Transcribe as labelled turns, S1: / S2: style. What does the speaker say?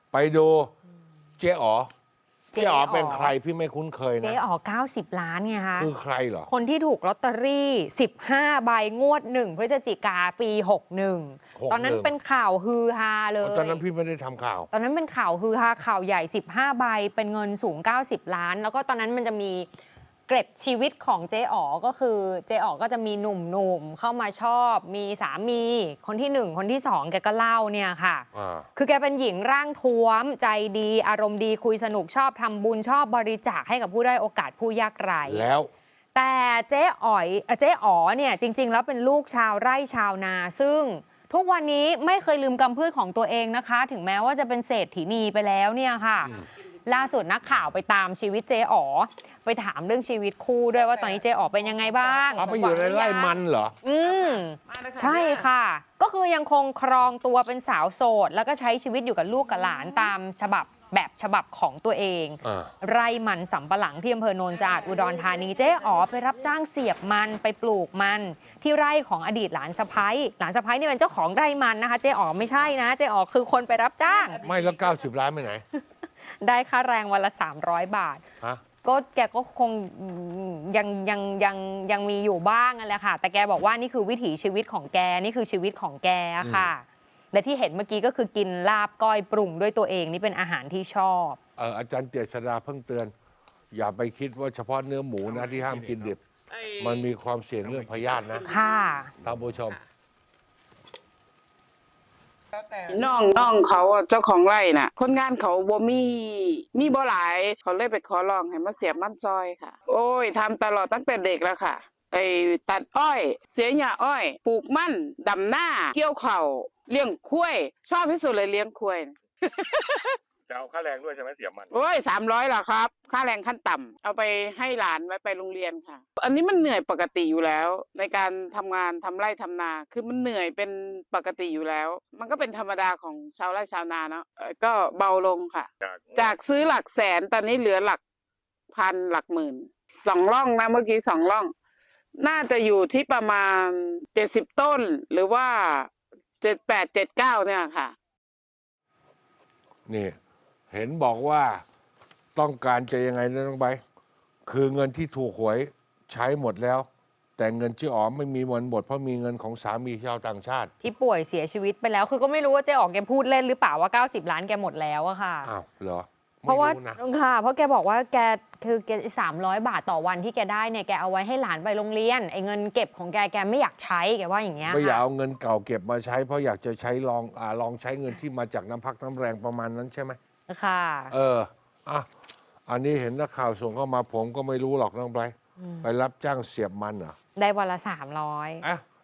S1: ไปดูเจ๊อ๋อเป็นใครพี่ไม่คุ้นเคยนะ
S2: เจ๊อ๋อ90 ล้านไงคะ
S1: คือใครเหรอ
S2: คนที่ถูกลอตเตอรี่15 ใบงวด1พฤศจิกาปี61ตอนนั้นเป็นข่าวฮือฮาเลย
S1: ตอนนั้นพี่ไม่ได้ทำข่าว
S2: ตอนนั้นเป็นข่าวฮือฮาข่าวใหญ่15 ใบเป็นเงินสูง90 ล้านแล้วก็ตอนนั้นมันจะมีเกร็ดชีวิตของเจ๊อ๋อก็คือเจ๊อ๋อก็จะมีหนุ่มๆเข้ามาชอบมีสามีคนที่1คนที่2แกก็เล่าเนี่ยค่ะคือแกเป็นหญิงร่างท้วมใจดีอารมณ์ดีคุยสนุกชอบทำบุญชอบบริจาคให้กับผู้ได้โอกาสผู้ยากไร้
S1: แล้ว
S2: แต่เจ๊อ๋อเนี่ยจริงๆแล้วเป็นลูกชาวไร่ชาวนาซึ่งทุกวันนี้ไม่เคยลืมกำพืชของตัวเองนะคะถึงแม้ว่าจะเป็นเศรษฐีนีไปแล้วเนี่ยค่ะล่าสุดนักข่าวไปตามชีวิตเจ๊อ๋อไปถามเรื่องชีวิตคู่ด้วยว่าตอนนี้เจ๊อ๋อเป็นยังไงบ้าง
S1: ไปอยู่ในไร่มันเหรอ
S2: ใช่ค่ะก็คือยังคงครองตัวเป็นสาวโสดแล้วก็ใช้ชีวิตอยู่กับลูกกับหลานตามแบบฉบับของตัวเองไร่มันสำปะหลังที่อำเภอโนนสะอาดอุดรธานีเจ๊อ๋อไปรับจ้างเสียบมันไปปลูกมันที่ไร่ของอดีตหลานสะใภ้นี่เป็นเจ้าของไร่มันนะคะเจ๊อ๋อไม่ใช่นะเจ๊อ๋อคือคนไปรับจ้าง
S1: ไม่แล้ว90 ล้านไปไหน
S2: ได้ค่าแรงวันละ300 บาทก็แกก็คงยังมีอยู่บ้างนั่นแหละค่ะแต่แกบอกว่านี่คือวิถีชีวิตของแกนี่คือชีวิตของแกค่ะและที่เห็นเมื่อกี้ก็คือกินลาบก้อยปรุงด้วยตัวเองนี่เป็นอาหารที่ชอบ
S1: อาจารย์เจษฎาเพิ่งเตือนอย่าไปคิดว่าเฉพาะเนื้อหมูนะที่ห้ามกินดิบมันมีความเสี่ยงเรื่องพยาธินะ
S2: ค่ะ
S1: ท่านผู้ชม
S3: น้องเขาเจ้าของไร่น่ะคนงานเขาบ่มีบ่หลายเขาเลยไปขอร้องให้มาเสียบมันซอยค่ะโอ้ยทำตลอดตั้งแต่เด็กแล้วค่ะตัดอ้อยเสียหญ้าอ้อยปลูกมันดำหน้าเกี่ยวข้าวเลี้ยงควายชอบที่สุดเลยเลี้ยงควาย
S4: จะเอาค่าแรงด้วยใช่ไหมเสียมัน
S3: โอ้ย300ล่ะครับค่าแรงขั้นต่ำเอาไปให้หลานไว้ไปโรงเรียนค่ะอันนี้มันเหนื่อยปกติอยู่แล้วในการทำงานทำไร่ทำนาคือมันเหนื่อยเป็นปกติอยู่แล้วมันก็เป็นธรรมดาของชาวไร่ชาวนาเนาะก็เบาลงค่ะจากซื้อหลักแสนตอนนี้เหลือหลักพันหลักหมื่น2 ร่องนะเมื่อกี้2 ร่องน่าจะอยู่ที่ประมาณ70 ต้นหรือว่า78 79เนี่ยค่ะ
S1: นี่เห็นบอกว่าต้องการจะยังไงนะน้องใบคือเงินที่ถูกหวยใช้หมดแล้วแต่เงินเจ๊อ๋อไม่มีวันหมดเพราะมีเงินของสามีชาวต่างชาติ
S2: ที่ป่วยเสียชีวิตไปแล้วคือก็ไม่รู้ว่าเจ๊อ๋อแกพูดเล่นหรือเปล่าว่า90 ล้านแกหมดแล้วอะค่ะ
S1: อ้าวเหรอ
S2: เพราะว่าค่ะเพราะแกบอกว่าแก300 บาทต่อวันที่แกได้เนี่ยแกเอาไว้ให้หลานไปโรงเรียนไอ้เงินเก็บของแกไม่อยากใช้แกว่าอย่างเงี้ย
S1: ไม่อยากเอาเงินเก่าเก็บมาใช้เพราะอยากจะใช้ลองใช้เงินที่มาจากน้ำพักน้ำแรงประมาณนั้นใช่ไหม
S2: ค่ะ
S1: อันนี้เห็นนักข่าวส่งเข้ามาผมก็ไม่รู้หรอกน้องไบรท์ไปรับจ้างเสียบมันเหรอ
S2: ได้วันละ300